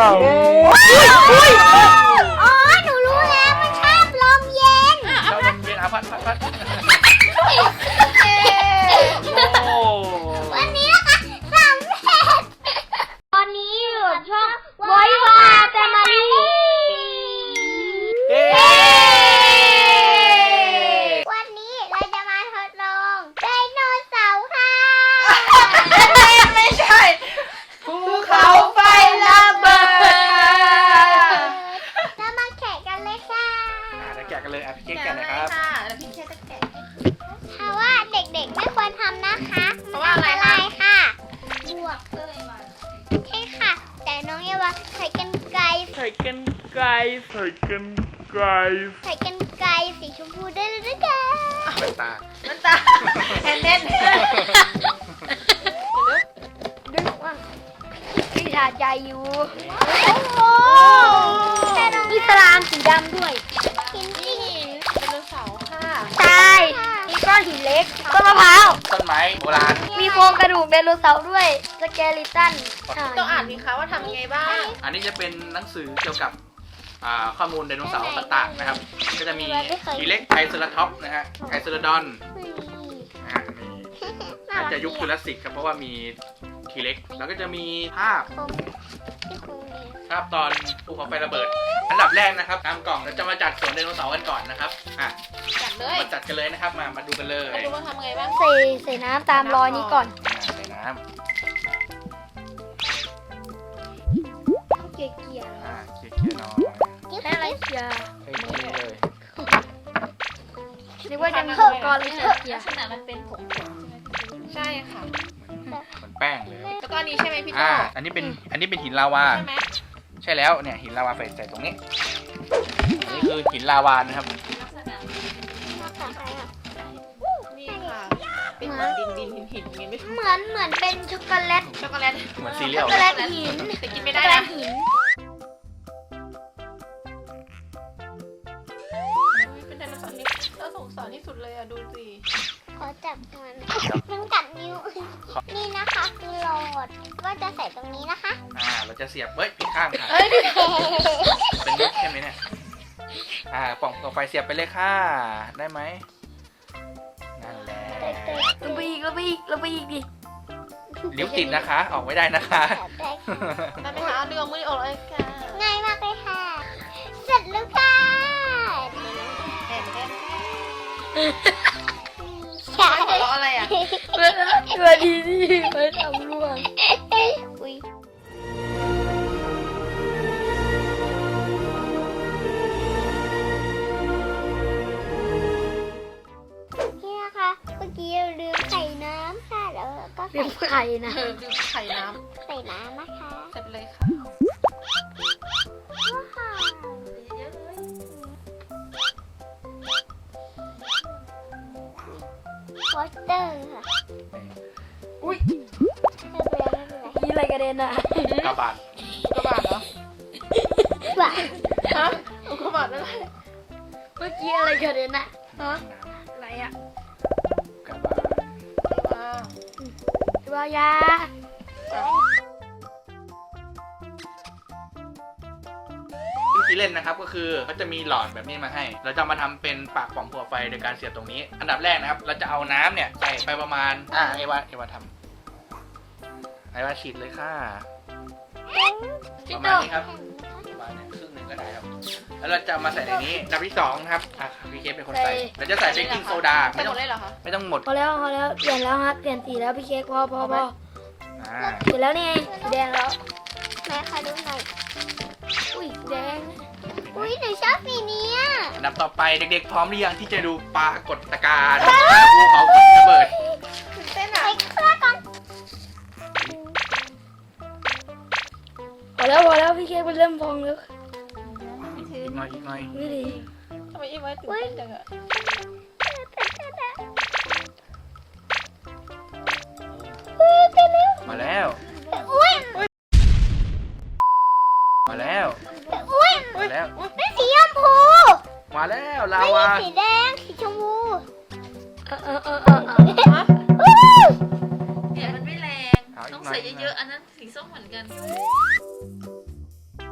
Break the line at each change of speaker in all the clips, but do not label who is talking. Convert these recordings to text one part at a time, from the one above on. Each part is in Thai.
อ๋อหนูรู้แล้วมันชอบลมเย็น
ชอบลมเย็นพัดโอ้
วันนี้นะคะสำเร็จตอนนี้อยู่กับช่องไว้วาแฟมิลี่วันนี้เราจะมาทดลองไดโนเสาร์ค่ะ
ไม่ใช่ภูเขาไฟระเบิด
เรามาแข่งกันเลยค่ะ
เดี๋ยวแกะกันเลยพี่เค้กแกะนะครับ
แล้วพี่แค่จะแกะ
เพราะว่าเด็กๆไม่ควรทำนะคะ
เพราะว่าอะไร
มัน
คะ
อันตรายค่ะบวกเลยใช่ค่ะ แต่น้องเอวาใช้กันไกร
ใส่กันไกล
ใช้กันไกรสีชมพูได้เลยนะคะ
แว่นตา
มันตาแอนเน่น
ดึงว่าพี่ชาใจอยู่โอ้โหมีสลามสีดำด้วยหินสี
ไดโนเสาร์ค่ะ
ใช่มีก้อนหินเล็กต้นมะพร้าว
ต้นไม้โบราณ
มีโครงกระดูกไดโนเสาร์ด้วยสเกลิตัน
ต้องอ่านมีคะว่าทำยังไงบ้าง
อันนี้จะเป็นหนังสือเกี่ยวกับข้อมูลไดโนเสาร์ต่างๆนะครับ ก็จะมีทีเล็กไทรเซราท็อปส์นะฮะไทรเซราดอนมีอาจจะยุคจูราสสิกครับเพราะว่ามีทีเล็กแล้วก็จะมีภาพ
ที่คงดี
ครับตอนภูเขาไฟระเบิด อันดับแรกนะครับตามกล่องเราจะมาจัดสวนไดโนเสาร์กันก่อนนะครับ
จัดเลย
มาจัดกันเลยนะครับมาดูกันเลย
มาดูว่าทำไงบ้าง
ใส่น้ำตามรอยนี้ก่อน
ใส่น้
เกี่ยเกี่ย
ำเคี่ยวๆหน่อย
ให้อะไรเกี่ย
ให้เคี่ยวเลย
นึกว่าจะมีอุปกรณ์เลยเกี่ย
ลักษณะมันเป็นผงใช่ค่ะ
เหมือนแป้งเลย
แล้วก็อันนี้ใช่ไหมพี่โต
อันนี้เป็นหินลาวา
ใช่ไหม
ใช่แล้วเนี่ยหินลาวาใส่ตรงนี้นี่คือหินลาวานะครับ
ลักษณะนี่ค่ะ เป็นดินหินอย่างงี้ไม่ถูก
เหมือนเป็นช็อกโกแลต
ช็อกโกแลต
เหมือนซีเรีย
ช็
ล
อกโกแลตหิน
แต่กิน
ช็
ไม่
อก
ได้
โกแล
นะ
ตหิน
เป็นไดโนเสาร์ที่น่าสงสารที่สุดเลยอ่ะดูสิ
ขอจับมันกัดนิ้วนี่นะคะคือโหลดก็จะใส่ตรงนี้นะคะ
เราจะเสียบผิดข้างค่ะ
เอ้ย
เป็นมุกใช่ไหมเนี่ยป่องต่อไปเสียบไปเลยค่ะได้ไหมนั่นแหละ
ลงไปอีกดิ
ลิ้วติดนะคะ ออกไม่ได้นะคะ
ได้ไหมคะดึงเอามือออกเลยค่ะ
ง่ายมากเลยค่ะ เสร็จแล้วค่ะ
แอนแอน
ใช่
หัวเราะอะไรอ่ะ
ตัวดีที่ไม่ทำร่วงอุ้ยนี่นะคะเมื่อกี้เราลืมใส่น้ำค่ะแล้วก็ใส่ไข่นะ
ดูไข่น้
ใส่น้ำนะคะ
ำเสร็จเลยค่ะ
ว้าววอเตอร์ค่ะ
อุ้ย
ไม่เป็นไร
นี่อะไรกระเด็นอ่ะ
กระบาด
อุกกาบาตเหรอ
ว้า
ฮะอุกกาบาตอะไร
เมื่อกี้อะไรกระเด็นอ่ะ
ฮะ
อะไรอ่ะ
กระบาด
ว้าว
ตัวยา
วิธีเล่นนะครับก็คือเขาจะมีหลอดแบบนี้มาให้ เราจะมาทำเป็นปากป่องผัวไฟโดยการเสียบตรงนี้ อันดับแรกนะครับ เราจะเอาน้ำเนี่ยใส่ไปประมาณเอวาทำเอวาฉีดเลยค่ะประมาณนี้ครับประมาณครึ่งหนึ่งก็ได้ครับ แล้วเราจะมาใส่ในนี้อันดับที่2นะครับพี่เคสเป็นคนใส่เราจะใส่เบกกิ้งโซดา
ใส่หมดเลยเหรอคะ
ไม่ต้องหมด
พอแล้วเปลี่ยนแล้วฮะเปลี่ยนสีแล้วพี่เค้กพอ
อ่า
เปลี่ยนแล้วนี่ไงสีแดงแล้ว
แม่ค่ะดูหน่อย
อุ้ยสีแดง
อุ้ยหนูชอบสีนี้อ่ะ
อันดับต่อไปเด็กๆพร้อมหรือยังที่จะดูปรากฏการณ์ภูเขาระเบิด
ตื่นเต้นอ่ะ
ใส่เครื่องก่อน
พอแล้วพี่เค้กมันเริ่มพองแล้ว
อีกหน่อย
ไม่ดี
ทำไมอีไว้ตื่นเต้นจังอ่ะ
มาแล้ว
อุ้ย
มาแล้ว
อุ้ย
มาแล้ว
เป็นสีชมพู
มาแล้วลา
ไม่
วา
ใช่สีแดงสีชมพู
ฮะ
อู้
เนี่ยมันไม่แรง
เอาอีก
ต้อง
หน่อย
ใส่เยอะๆ อันนั้นสีส้มเหมือนกัน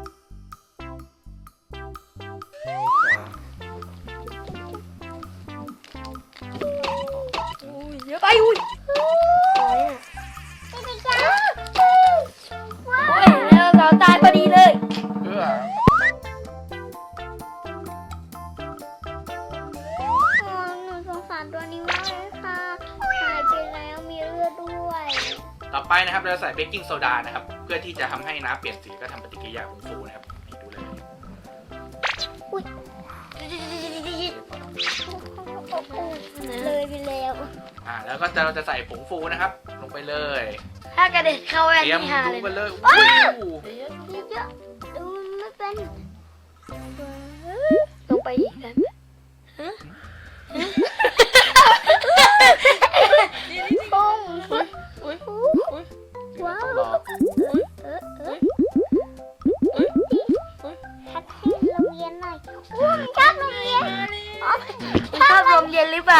ไปนะครับเราใส่เบกกิ้งโซดานะครับเพื่อที่จะทำให้น้ำเปลี่ยนสีก็ทำปฏิกิริยาผงฟูนะครับนี่ดูเลย
เลยไปแล้ว
แล้วก็เราจะใส่ผงฟูนะครับ ลงไปเลย
ถ้ากระเด็นเข้าแว่น
เตรียม
นี่ฮา
ดู
เลย
ไป
นะ
เลยอู้
เยอะดูไม่เป็น
ลงไปอีกแล้ว
ปุ้ง
อุ้ย
ว้า
ต้อง
ว
รอ
ทักให้โรงเรียนหน่อยอู้มันชอบโรงเรียนอ๋อ
คุณชอบลมเย็นหรือเปล่า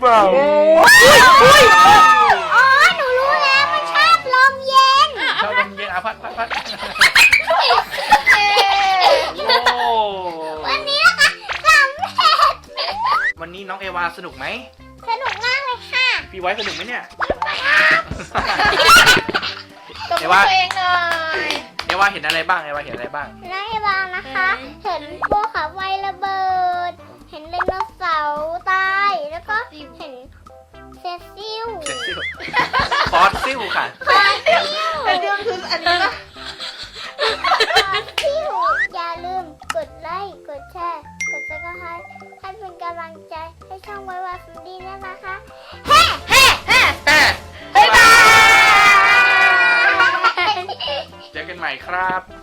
อ๋อหนูรู้แล้วมันชอบลมเย็น
ชอบลมเย็นพัดโอ้
วันนี้นะคะสำเร็จ
วันนี้น้องเอวาสนุกไหม
สนุกมากเลยค่ะ
พี่ไว้สนุกไหมเนี่ย
ตบ
เดี๋
มื
ยว
อ
ว่า
ตัวเองหน่อย
เอวาเห็นอะไรบ้างเอวาเห็นอะไรบ้าง
นายบางนะคะ เห็นพวกขาไฟระเบิด เห็นไดโนเสาร์ตาย แล้วก็เห็นเซซิล
เซซิลฟอสซิลค่ะ
ฟอสซิล
แต่เรื่องคืออันนี้นะ
อย่าลืมกดไลค์ กดแชร์ กดซับสไครต์ให้เป็นกำลังใจให้ช่องไว้ว่าฟันดีนะคะ เฮ้เฮ้เฮ้
บ๊ายบาย
บาย
เจอกันใหม่ครับ